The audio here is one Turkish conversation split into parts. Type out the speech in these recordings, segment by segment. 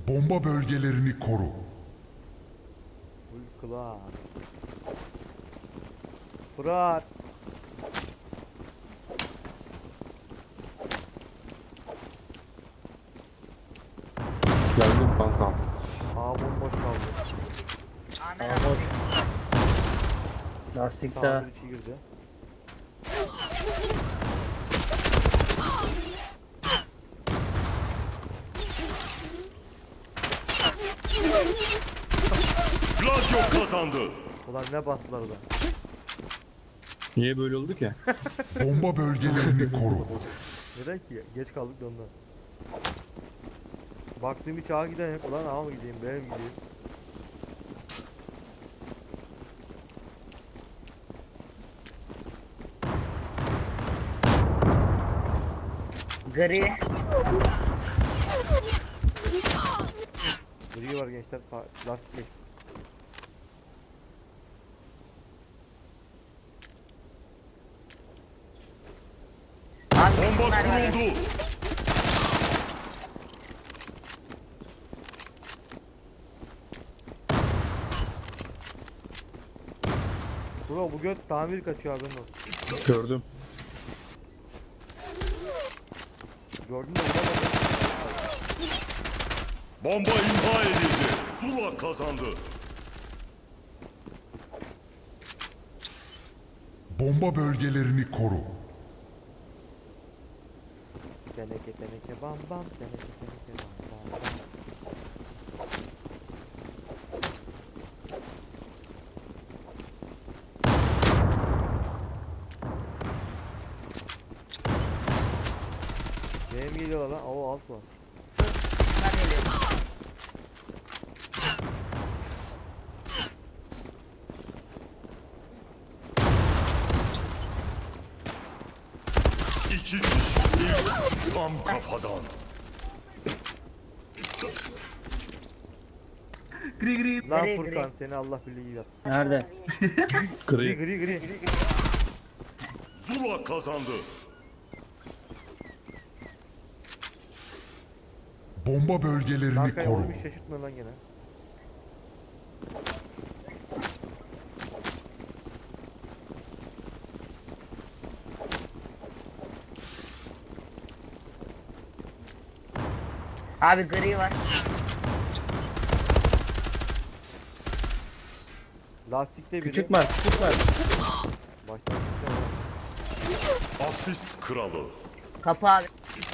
Bomba bölgelerini koru. Uykula. Fırat. Geldim kanka. Aa bomboş kaldı. Ahmet Aa, boş. abi. Lastikte. Tamir içi girdi. Gladio kazandı. Ulan ne bastılar da. Niye böyle oldu ki? Bomba bölgelerini koru. Neden ki? Geç kaldık da ondan. Baktığım hiç ağa giden yok. Ulan ağa mı gideyim, B'ye mi gideyim? Gri. Gri var gençler. Lastik geç. Abi Bomba bunlar var ya. kuruldu. Bro bu göt tamir kaçıyor haberin olsun. Gördüm. Gördün mü? Vuramadım. Bomba imha edildi. Zula kazandı. Bomba bölgelerini koru. Teneke bam bam. Teneke bam bam bam. Benim geliyorlar lan. Oo alt var. Bunlar geliyor. İki kişi. Tam kafadan. Lan Gri, Furkan gri. seni Allah bildiği yap. Nerede? Gri Gri. gri gri. Zula kazandı. Bomba bölgelerini Arkaya koru. olmuş şaşırtma lan gene. Abi gri var. Lastikte biri. Küçük var, küçük var. Baştan çıksana lan. Asist kralı. Kapı abi.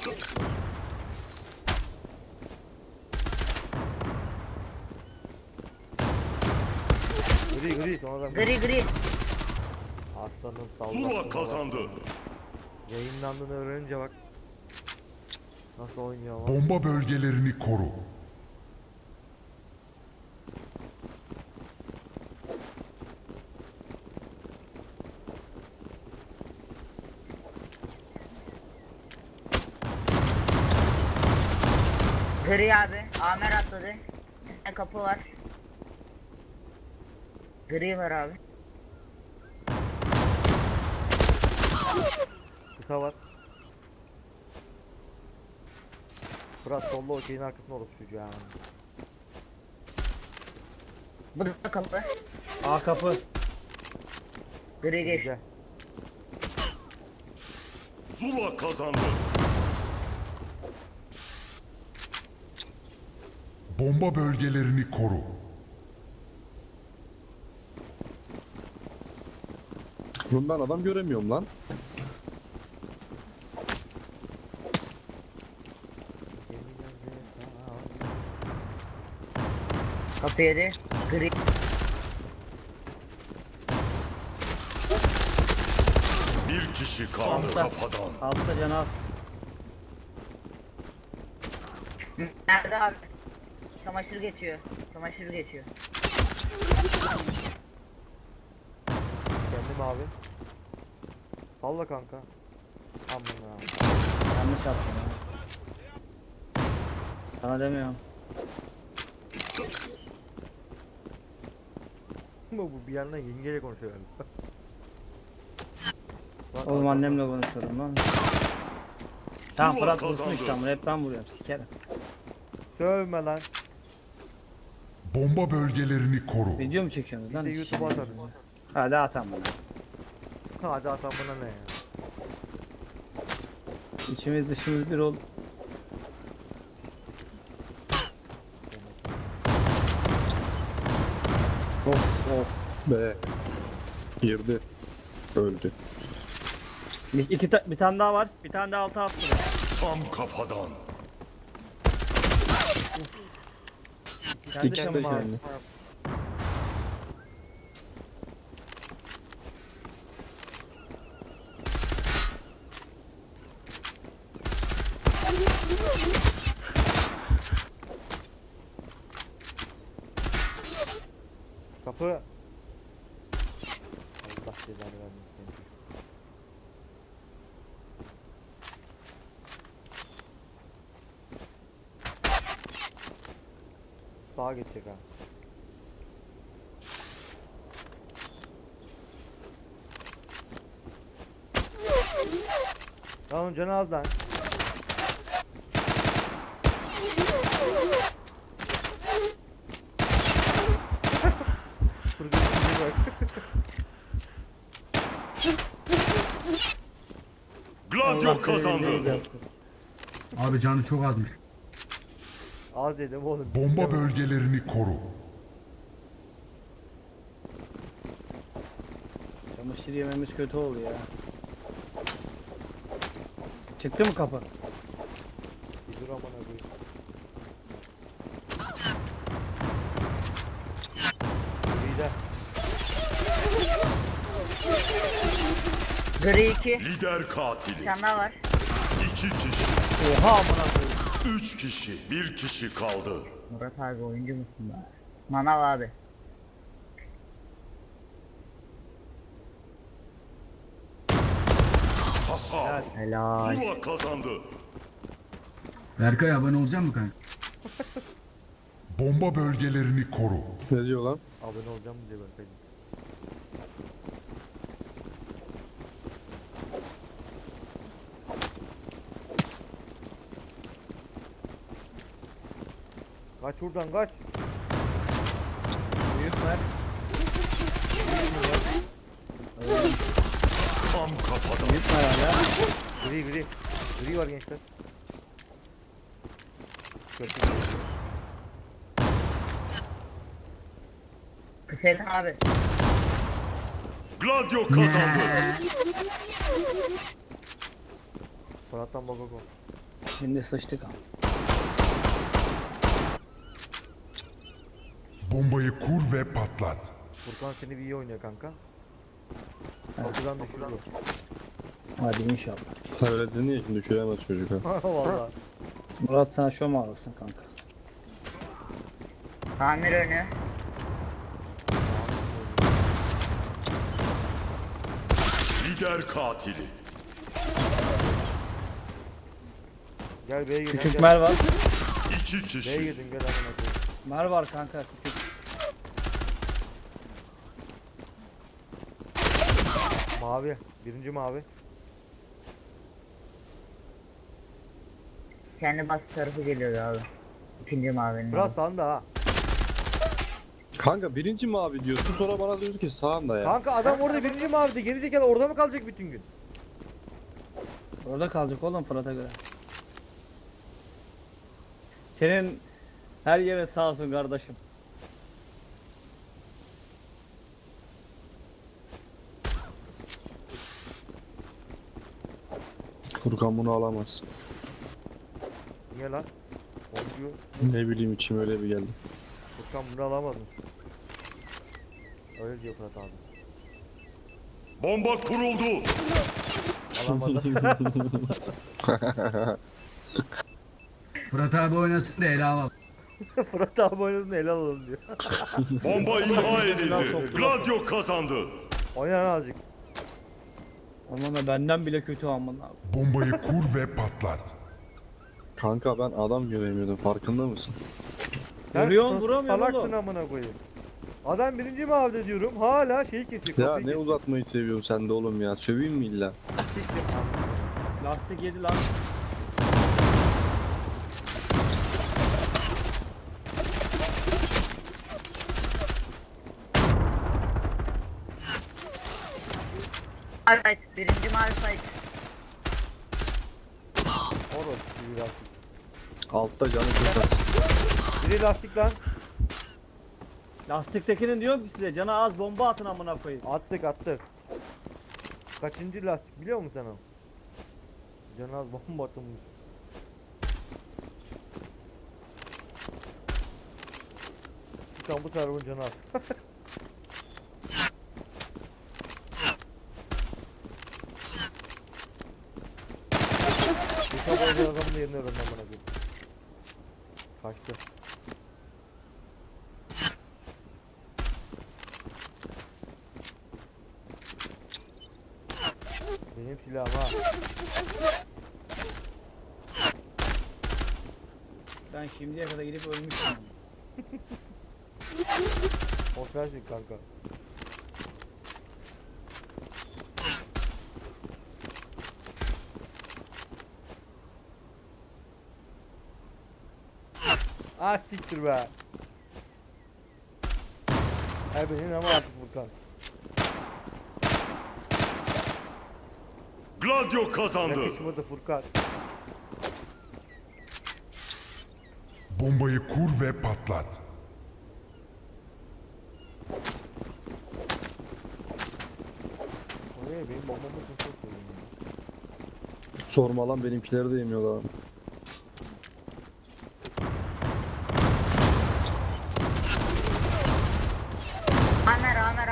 Gri gri sonradan. Gri gri. Aslanın Zula sallasın. kazandı. Yayınlandığını öğrenince bak. Nasıl oynuyor ama. Bomba bölgelerini koru. Gri abi. Amer atladı. Ne kapı var. Gri var abi. Kısa var. Fırat solda o şeyin arkasında olur çocuğu ya. Bu da kapı. A kapı. Gri geç. Güzel. Zula kazandı. Bomba bölgelerini koru. Oğlum ben adam göremiyorum lan. Kapı yedi. Gri. Bir kişi kaldı Altta. kafadan. Altta canavar. Nerede abi? Çamaşır geçiyor. Çamaşır geçiyor. Kendim abi. Salla kanka. Aman abi. Yanlış yaptım ya. Sana demiyorum. Bu bir yandan yengeyle konuşuyor galiba. Bak, Oğlum bak, annemle konuşuyorum lan. Tamam Zula Fırat vursun kazandı. işte ama hep ben vuruyorum sikerim. Sövme lan. Bomba bölgelerini koru. Video mu çekiyorsunuz lan? Bir de YouTube'a atarız. Hadi atam bana. Hadi atan buna ne ya? İçimiz dışımız bir oldu. Of be. Girdi. Öldü. Bir tane daha var. Bir tane daha altı attı. Tam kafadan. Kendi İkisi de canım abi. kendi. Kapı. Allah cezanı vermesin seni çocuk. Sağa geçecek ha. Lan onun canı az lan. Fırgın bak. Gladio kazandı. Abi canı çok azmış. Az dedim oğlum. Bomba bölgelerini koru. Çamaşır yememiz kötü oldu ya. Çıktı mı kapı? Bir dur amına koyayım. Lider. Gri 2. Lider Bir katili. tane daha var. 2 kişi. Oha amına koyayım. 3 kişi. 1 kişi kaldı. Murat abi oyuncu musun be? Manav abi. Hasan. Helal. Zula kazandı. Berkay abone olacak mı kanka? Bomba bölgelerini koru. Ne diyor lan? Abone olacağım diye ben peki. Kaç buradan kaç. Büyük ver. Tam kafadan. Büyük ver hala. Gri gri. Gri var gençler. Kötü. Hüseyin abi. Gladio kazandı. Fırat'tan Bagoko. Şimdi sıçtık abi. Bombayı kur ve patlat. Furkan seni bir iyi oynuyor kanka. Kapıdan düşürüyor. Hadi inşallah. Sen öyle dedin ya, düşüremez çocuk ha. Valla. Murat sen şov mu alırsın kanka? Tamir önü. Lider katili. Gel B'ye gidelim. Küçük mer var. 2 B'ye kişi. gidin gel amına koyayım. Mer var kanka küçük. Mavi. Birinci mavi. Kendi bas tarafı geliyordu abi. İkinci mavinin. Biraz sağında ha. Kanka birinci mavi diyorsun, sonra bana diyorsun ki sağında ya. Kanka adam orada birinci mavide. Gerizekalı orada mı kalacak bütün gün? Orada kalacak oğlum Fırat'a göre. Senin her yere sağ olsun kardeşim. Furkan bunu alamaz. Niye lan? Oyuncu. Ne bileyim, içim öyle bir geldi. Furkan bunu alamadın. Öyle diyor Fırat abi. Bomba kuruldu. Alamadı. Fırat abi oynasın da ele alalım. Fırat abi oynasın ele alalım diyor. Bomba imha edildi. Gladio kazandı. Oyna lan azıcık. Aman da benden bile kötü aman abi. Bombayı kur ve patlat. Kanka ben adam göremiyordum, farkında mısın? Sen Vuruyorsun, vuramıyorsun salaksın oğlum. amına koyayım. Adam birinci mavide diyorum. Hala şeyi kesiyor. Ya kapıyı ne kesiyor. uzatmayı seviyorsun sen de oğlum ya, söveyim mi illa? Siktir. Lastik yedi lan. Mavi site. Birinci mavi site. Orası biri lastik. Altta canı çok az. Biri lastik lan. Lastiktekinin diyorum ki size cana az bomba atın amına koyayım. Attık. Kaçıncı lastik biliyor musun sen o? Canaz bomba atılmış. Çıkan bu server'ın canı az. Bu sabah adamın da yerini öğrendim bana koyayım. Kaçtı. Benim silahım ha. Ben şimdiye kadar gidip ölmüşüm. Korkarsın kanka. Ah siktir be. Benim ama artık Furkan. Gladio kazandı. Yakışmadı Furkan. Bombayı kur ve patlat. Oraya benim bombamı çok koyuyorum. Sorma lan, benimkileri de yemiyorlar. Amer.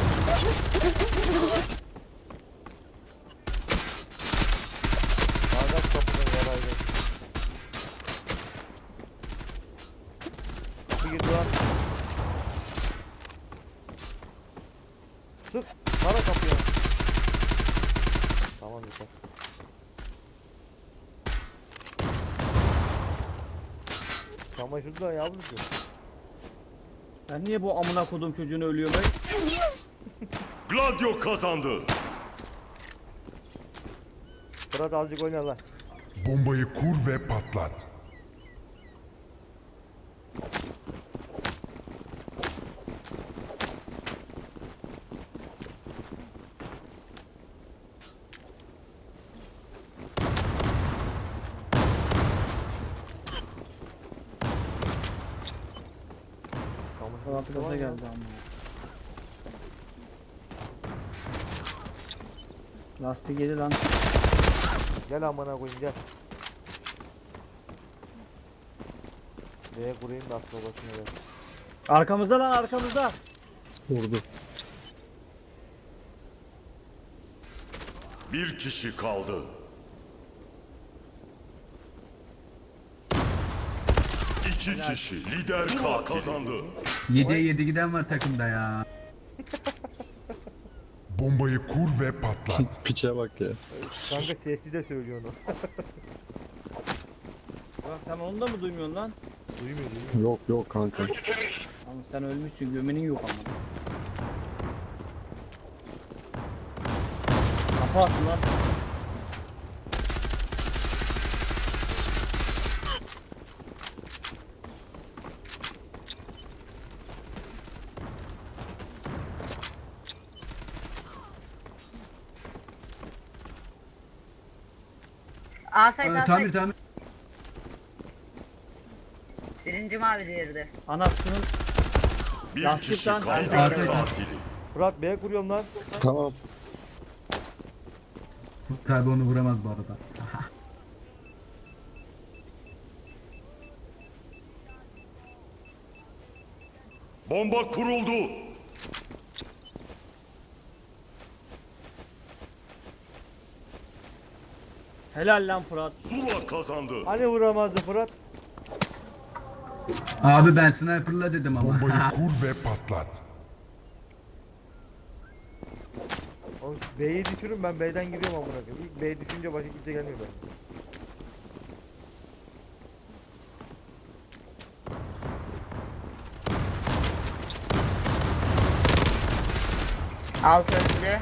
Bardak kapıdan yaraydı. Kapı girdi lan. Sık. Para kapıya. Tamam yeter. Çamaşır da yavrucu. Ben niye bu amına kodum çocuğunu ölüyorum? Gladio kazandı. Fırat azıcık oyna lan. Bombayı kur ve patlat. Çamaşır Gaza var ya. geldi amına. Lastik yedi lan. Gel amına koyayım gel. D'ye kurayım da aslında başına gel. Arkamızda lan arkamızda. Vurdu. Bir kişi kaldı. İki kişi. Lider katil kazandı. 7'ye 7 giden var takımda ya. Bombayı kur ve patlat. Piçe bak ya. Kanka sesli de söylüyor onu. Bak sen onu da mı duymuyorsun lan? Duymuyor. Yok kanka. Ama sen ölmüşsün gömenin yok ama. Kapı attın lan. A site A Tamir site. tamir. Birinci mavi diğeri de. Anasının Bir Lastik kişi lan. kaldı. Lastik. Lider katili. Fırat B'ye kuruyorum lan. Tamam. Tabi onu vuramaz bu arada. Bomba kuruldu. helal lan Fırat. Zula kazandı. Hani vuramazdı Fırat? Abi ben sniper'la dedim ama. Bombayı kur ve patlat. Oğlum B'yi düşürün ben B'den giriyorum amına koyayım. İlk B'yi düşünce başka kimse gelmiyor ben. Alt öldü.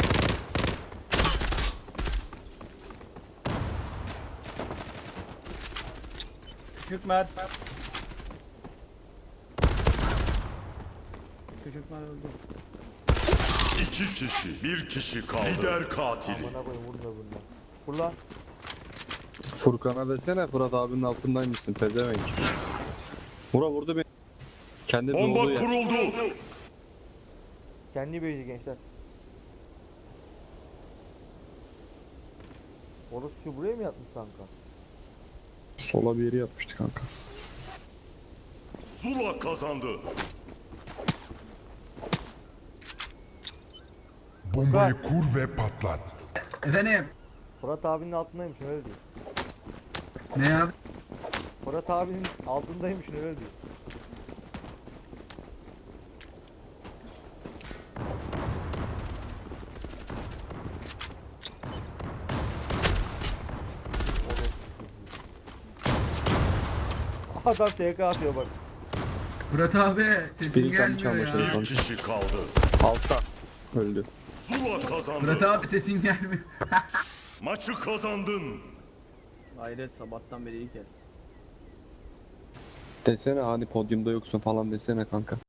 Küçük Mert. Küçük Mert öldü. İki kişi. Bir kişi kaldı. Lider katili. Amına koyayım vurma bundan. Vur lan. Furkan'a desene Fırat abinin altındaymışsın pezevenk. Vurdu beni. Kendi Bomba doğduğu yer. kuruldu. Kendi beyzi gençler. Orası şu buraya mı yatmış kanka? Sola bir yeri yapmıştı kanka. Zula kazandı. Bombayı kur ve patlat. Efendim. Fırat abinin altındaymış öyle diyor. Ne abi? Fırat abinin altındaymış öyle diyor. Adam TK atıyor bak. Fırat abi sesin Biri gelmiyor çalmış ya. herif. Bir kişi kaldı. Altta. Öldü. Zula kazandı. Fırat abi sesin gelmiyor. Maçı kazandın. Hayret sabahtan beri ilk kez. Desene hani podyumda yoksun falan desene kanka.